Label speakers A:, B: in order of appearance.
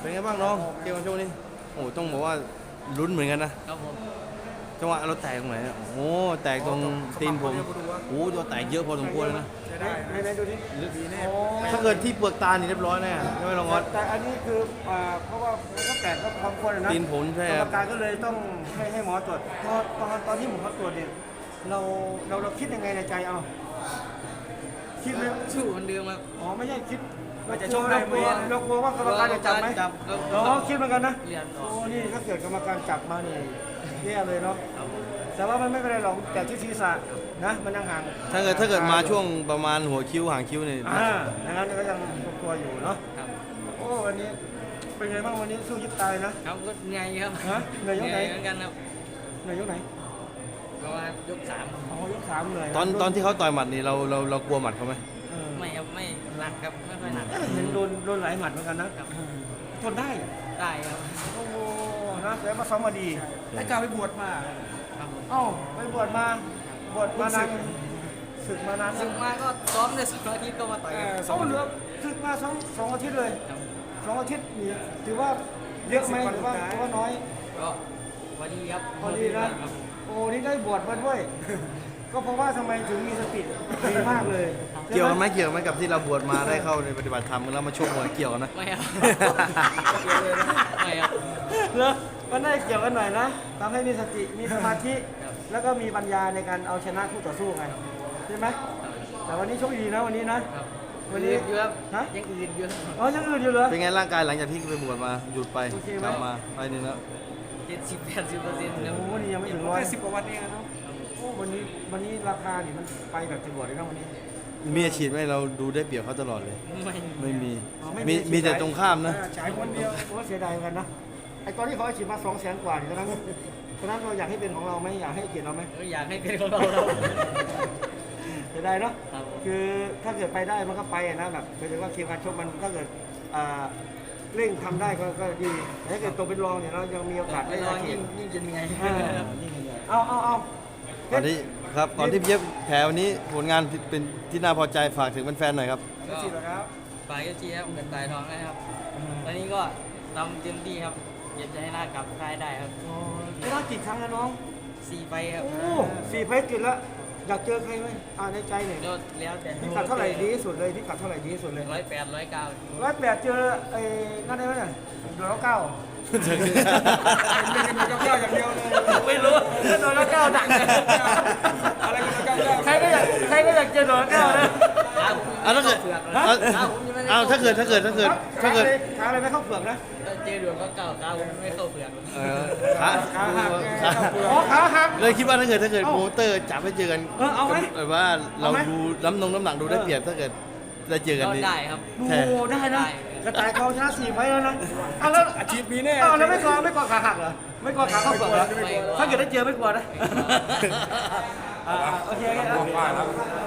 A: เป็นไงบ้างน้องเกมวันโชคนี่โอ้ต้องบอกว่าลุ้นเหมือนกันนะครับ
B: ผม
A: จังหวะเราแตกตรงไหนอะโอ้แตกตรงตีนผมโอ้ตัวแตกเยอะพอสมควรเลยนะ
C: ใช้ได้ไหนดูที่ดีแน่
A: ถ้าเกิดที่เปลือกตานี่เรียบร้อยแน่ใช่ไหมน้องออส
C: แต่อันนี้คือเพราะว่ามันก็แตกก็พอควรนะ
A: ตีนผมใช่
C: กร
A: ค
C: ร
A: รั
C: ม
A: บ
C: การก็เลยต้องให้หมอตรวจตอนที่หมอตรวจเนี่ยเราคิดยังไงในใจเอาคิดไหม
B: สู้เหมือนเดิมครับ
C: อ๋อไม่ใช่คิด
B: ว่าจะชกได้ไหม
C: เรากลัวว่ากรรมการจะจับไหม
B: จับ
C: อ๋อคิดเหมือนกันนะ
B: เรียนออก
C: โอ้นี่ถ้าเกิดกรรมการจับมานี่แย่เลยเนาะแต่ว่ามันไม่เป็นไรหรอกแต่ที่ศีรษะนะมันยังห่าง
A: ถ้าเกิดมาช่วงประมาณหัวคิ้วหางคิ้วนี่
C: อย่างนั้นก็ยังกลัวอยู่เนาะ
B: ครับ
C: โอ้วันนี้เป็นไงบ้างวันนี้สู้ยิบตายนะครับ
B: ก็เหนื่อยครับ
C: ฮะเหนื่อยยกไหน
B: เหมือนกันครับ
C: เหนื่อยยกไหน
B: เพราะว่ายกสาม
C: อ๋อยกสามเหนื่อย
A: ตอนที่เขาต่อยหมัดนี่เรากลัวหมัดเขาไหม
B: ไม่ครับไม่หนักครับไม่ค่อยหนัก
C: เห็นโดนหลายหมัดเหมือนกันนะครับ ทนได้
B: ได้ครับ
C: โอ้โหนะแล้วมาซ้อมมาดี
D: ให้กาวไปบวชมา
B: ครับผม
C: เอ้าไปบวชมานานศึกมานาน
B: ซึ่งมาก็ซ้อมในสองอาทิตย์ก็มาต่อยกัน
C: เขาเหลือศึกมาสองอาทิตย์เลย
B: ครับ
C: 2 อาทิตย์นี่ถือว่าเยอะไหมหรือว่าน้อย
B: ก็พอดีครับ
C: พอดีนะครับ โอ้นี่ได้บวชมาด้วย ก็เพราะว่าทำไมถึงมีสติดีมากเลย
A: เกี่ยวกันไหมกับที่เราบวชมาได้เข้าในปฏิบัติธรรมแล้วมาชกมวยเกี่ยวกันนะ
B: ไม่ครับไม่ครับ
C: เหรอมันได้เกี่ยวกันหน่อยนะทำให้มีสติมีสมาธิ
B: ครับ
C: แล้วก็มีปัญญาในการเอาชนะคู่ต่อสู้ไงใช่ไหมแต่วันนี้โชคดีนะวันนี้นะ
B: ครับ
C: วันนี้
B: อื่นอยู่ครับ
C: ฮะ
B: ยังอื่นอยู่ครับ
C: อ๋อยังอื่นอยู่เหรอ
A: เป็นไงร่างกายหลังจากที่ไปบวชมาหยุดไป
C: โอเคไหม
A: กลับมาไปหนึ่งแล้ว
B: 70-80%ครับ
C: โอ้วันนี้ยังไม่ถึงร้อย
D: แค่10 กว่าวันเองอะเนาะ
C: โอ้วันนี้ราคานี่มันไปแบบจะบวชเลยนะวันนี้
A: มีอาชีพไหมเราดูได้เปรียบเขาตลอดเลย ไม่มี
C: อ๋อไม่
A: มีแต่ตรงข้ามนะ
C: ฉายคนเดียวโอ้เสียดายเหมือนกันนะไอ้ตอนที่เขาอาชีพมา200,000 กว่านี่ตอนนั้นเราอยากให้เป็นของเราไหมอยากให้เกียรติเราไหม
B: อยากให้เป็นของเราครับ
C: เสียดายเนาะ
B: ครับผม
C: คือถ้าเกิดไปได้มันก็ไปอะนะแบบหมายถึงว่าเกมการชกมันถ้าเกิดเร่งทำได้ก็ดีแต่ถ้าเกิดตัวเป็นรองเนี่ยเรายังมีโอกาส
B: ไม่
C: ได้
B: รอ
C: อาชี
B: ยิ่
C: พ
B: งจะเหนื่อย
C: เอา
A: ก่อนที่ก่อนที่พี่เย็บแผลวันนี้ผลงานเป็นที่น่าพอใจฝากถึงแฟนๆหน่อยครับ
B: ก็
C: สิบแล้วครับ
B: ฝ่ายก็เชียร์ครับเงินตายทองนะครับ ตอนนี้ก็ทำเต็มที่ครับเก็บใจให้ได้กลับค่ายได้ครับ
C: ชนะกี่ครั้งแล้วน้อง
B: 4 ไฟครับ
C: โอ้4 ไฟต์ติดแล้วอยากเจอใครไหมในใจเนี่ย
B: ก็แล้วแต่
C: พิกัดเท่าไหร่ดีที่สุดเลยพิกัดเท่าไหร่ดีที่สุดเลย
B: 108 109
C: 108เจอไอ้นั่นได้ไหมเนี่ยโดน9
D: เป็นกันเก้าอย่างเดียวเลย
B: ไม่รู้
C: โดน9ดังเลย
D: อะไรกันเก้า
C: ใครก็อยากเจอโดน9นะ
A: เอาถ้าเกิดเอาถ้าเกิด
C: ขาอะไรไม่เข้าเปลือกนะ
B: เจอดวงก็เก่าขาผมไม่เข้าเปลือก
A: ขา
C: ขาหัก
A: ขา
C: อ๋อขาหัก
A: เลยคิดว่าถ้าเกิดโปรโมเตอร์จับให้เจอกัน
C: เอาไหม
A: แบบว่าเรา
C: เอาไหม
A: ดูน้ำหนักดูได้เปรียบถ้าเกิดได้เจอกัน
B: ก็
A: นี่
B: ได้ครับ
C: ดู
A: แท้
C: ได้นะกระต่ายเขาชนะ4 ไฟต์แล้วนะเอาแล้ว
D: อาชีพมีแน่
C: เอาแล้วไม่กลัวขาหักเหรอไม่กลัวขาเข้าเปลือกเหรอถ้าเกิดได้เจอไม่กลัวนะโอเค